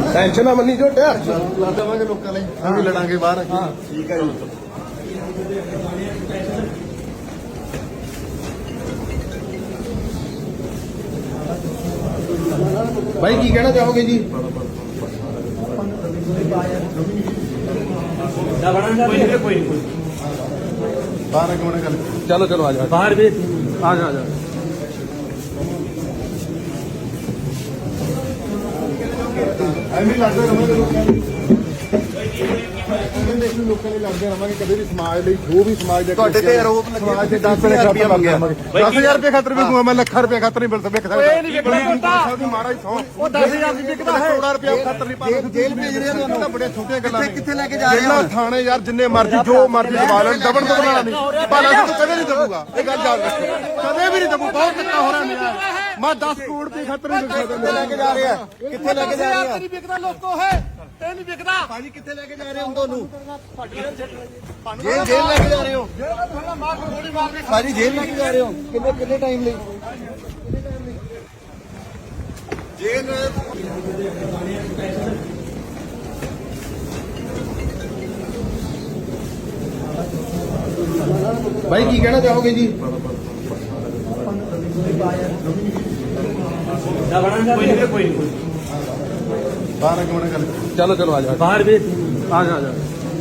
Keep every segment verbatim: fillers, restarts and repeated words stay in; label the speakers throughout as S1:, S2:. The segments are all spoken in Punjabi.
S1: ਟੈਨਸ਼ਨ ਨਾ ਮੰਨੀ ਝੋਟਿਆ
S2: ਲਾ ਦੇਵਾਂਗੇ ਲੋਕਾਂ ਲਈ ਅਸੀਂ ਲੜਾਂਗੇ ਬਾਹਰ
S1: ਹਾਂ ਠੀਕ ਹੈ ਜੀ। भाई की कहना चाहोगे जी?
S2: ਬਾਹਰ ਕਿਉਂ ਗੱਲ
S1: चलो चलो आ जाओ
S3: बाहर भी
S1: आ जाओ आ जाओ।
S2: ਐਵੇਂ ਲੜਦੇ ਰਹਾਂਗੇ ਲੋਕਾਂ ਲਈ ਕਹਿੰਦੇ ਅਸੀਂ ਲੋਕਾਂ ਲਈ ਲੜਦੇ ਰਹਾਂਗੇ ਕਦੇ ਵੀ ਸਮਾਜ ਲਈ ਜੋ ਵੀ ਸਮਾਜ ਦੇ
S3: ਤੁਹਾਡੇ ਤੇ ਆਰੋਪ ਲੱਗੇ
S2: ਸਮਾਜ ਦੇ ਦਸ ਹਜ਼ਾਰ ਰੁਪਏ ਮੰਗਿਆ ਦਸ ਹਜ਼ਾਰ ਰੁਪਏ ਖਾਤਰ ਵੀ ਦੂੰਗਾ ਮੈਂ ਲੱਖਾਂ ਰੁਪਏ ਖਾਤਰ ਨਹੀਂ ਮਿਲ ਸਕਦਾ
S3: ਇਹ ਨਹੀਂ ਵਿਕਦਾ
S2: ਦੀ ਮਾਰਾ ਹੀ ਸੌ
S3: ਉਹ ਦਸ ਹਜ਼ਾਰ ਦੀ ਵਿਕਦਾ ਹੈ
S2: ਕਰੋੜਾਂ ਰੁਪਏ ਖਾਤਰ ਨਹੀਂ ਪਾ
S3: ਜੇਲ੍ਹ ਭੇਜ ਰਹੇ ਆ ਤੁਹਾਨੂੰ
S2: ਬੜੀਆਂ ਛੋਟੀਆਂ ਗੱਲਾਂ ਨੇ
S3: ਕਿੱਥੇ ਲੈ ਕੇ ਜਾ ਰਹੇ
S2: ਜੇਲ੍ਹਾਂ ਥਾਣੇ ਯਾਰ ਜਿੰਨੇ ਮਰਜ਼ੀ ਜੋ ਮਰਜ਼ੀ ਦਬਾ ਲੈਣ ਦਬਣ ਤੋਂ ਬਣਾਣਾ ਨਹੀਂ ਭਾਲਾ ਤੂੰ ਕਦੇ ਨਹੀਂ ਦਬੂਗਾ ਇਹ ਗੱਲ ਯਾਦ ਰੱਖ ਕਦੇ ਵੀ ਨਹੀਂ ਦਬੂ ਬਹੁਤ ਧੱਕਾ ਹੋ ਰਿਹਾ ਮੇਰਾ ਮੈਂ ਦਸ ਕਰੋੜ ਦੀ ਖਾਤਰ ਨਹੀਂ ਵਿਕ ਸਕਦਾ
S3: ਲੈ ਕੇ ਜਾ ਰਹੇ ਆ ਕਿੱਥੇ ਲੈ ਕੇ ਜਾ ਰਹੇ ਆ
S4: ਨਹੀਂ ਵਿਕਦਾ ਲੋਕੋ ਹੈ ਤੇ ਨਹੀਂ ਵਿਕਦਾ
S3: ਭਾਜੀ ਕਿੱਥੇ ਲੈ ਕੇ ਜਾ ਰਹੇ ਹੋ ਤੁਹਾਨੂੰ ਜੇਲ੍ਹ ਜੇਲ੍ਹ ਲੈ ਕੇ ਜਾ ਰਹੇ ਹੋ ਭਾਜੀ ਜੇਲ੍ਹ ਲੈ ਕੇ ਜਾ ਰਹੇ ਹੋ ਕਿੰਨੇ ਕਿੰਨੇ ਟਾਈਮ ਲਈ
S1: भाई की कहना चाहोगे जी?
S2: ਬਾਹਰ ਕਿਉਂ ਗੱਲ
S1: चलो चलो आ जाओ
S3: बाहर भी
S1: आ जाओ आ जाओ।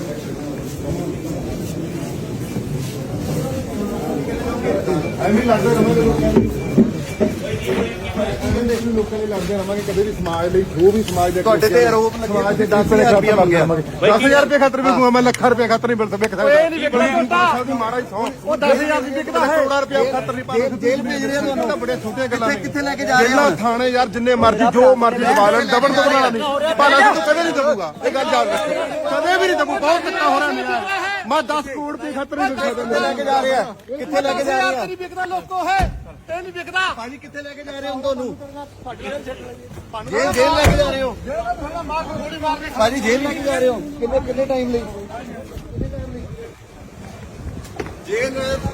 S2: ਐਵੇਂ ਲੜਦੇ ਰਹਾਂਗੇ ਲੋਕਾਂ ਲਈ ਕਹਿੰਦੇ ਅਸੀਂ ਲੋਕਾਂ ਲਈ ਲੜਦੇ ਰਹਾਂਗੇ ਕਦੇ ਵੀ ਸਮਾਜ ਲਈ ਜੋ ਵੀ ਸਮਾਜ ਦੇ
S3: ਤੁਹਾਡੇ ਤੇ ਆਰੋਪ ਲੱਗੇ
S2: ਸਮਾਜ ਦੇ ਦਸ ਹਜ਼ਾਰ ਰੁਪਏ ਮੰਗਿਆ ਦਸ ਹਜ਼ਾਰ ਰੁਪਏ ਖਾਤਰ ਵੀ ਦੂੰਗਾ ਮੈਂ ਲੱਖਾਂ ਰੁਪਏ ਖਾਤਰ ਨਹੀਂ ਮਿਲ ਸਕਦਾ
S3: ਇਹ ਨਹੀਂ ਵਿਕਦਾ
S2: ਦੀ ਮਾਰਾ ਹੀ ਸੌ
S3: ਉਹ ਦਸ ਹਜ਼ਾਰ ਦੀ ਵਿਕਦਾ ਹੈ
S2: ਕਰੋੜਾਂ ਰੁਪਏ ਖਾਤਰ ਨਹੀਂ ਪਾ
S3: ਜੇਲ੍ਹ ਭੇਜ ਰਹੇ ਆ ਤੁਹਾਨੂੰ
S2: ਬੜੀਆਂ ਛੋਟੀਆਂ ਗੱਲਾਂ ਨੇ
S3: ਕਿੱਥੇ ਲੈ ਕੇ ਜਾ ਰਹੇ
S2: ਜੇਲ੍ਹਾਂ
S3: ਆ
S2: ਥਾਣੇ ਯਾਰ ਜਿੰਨੇ ਮਰਜ਼ੀ ਜੋ ਮਰਜ਼ੀ ਦਬਾ ਲੈਣ ਦਬਣ ਤੋਂ ਬਣਾਣਾ ਨਹੀਂ ਭਾਲਾ ਤੂੰ ਕਦੇ ਨਹੀਂ ਦਬੂਗਾ ਇਹ ਗੱਲ ਯਾਦ ਰੱਖ ਕਦੇ ਵੀ ਨਹੀਂ ਦਬੂ ਬਹੁਤ ਧੱਕਾ ਹੋ ਰਿਹਾ ਮੇਰਾ ਮੈਂ ਦਸ ਕਰੋੜ ਦੀ ਖਾਤਰ ਨਹੀਂ ਵਿਕ
S3: ਕਿੱਥੇ ਲੈ ਕੇ ਜਾ ਰਹੇ ਆ ਕਿੱਥੇ ਲੈ ਕੇ ਜਾ ਰਹੇ ਆ
S4: ਨਹੀਂ ਵਿਕਦਾ ਲੋਕੋ ਹੈ ਤੇ ਨਹੀਂ ਵਿਕਦਾ
S3: ਭਾਜੀ ਕਿੱਥੇ ਲੈ ਕੇ ਜਾ ਰਹੇ ਹੋ ਤੁਹਾਨੂੰ ਜੇਲ੍ਹ ਜੇਲ੍ਹ ਲੈ ਕੇ ਜਾ ਰਹੇ ਹੋ ਭਾਜੀ ਜੇਲ੍ਹ ਲੈ ਕੇ ਜਾ ਰਹੇ ਹੋ ਕਿੰਨੇ ਕਿੰਨੇ ਟਾਈਮ ਲਈ ਜੇਲ੍ਹ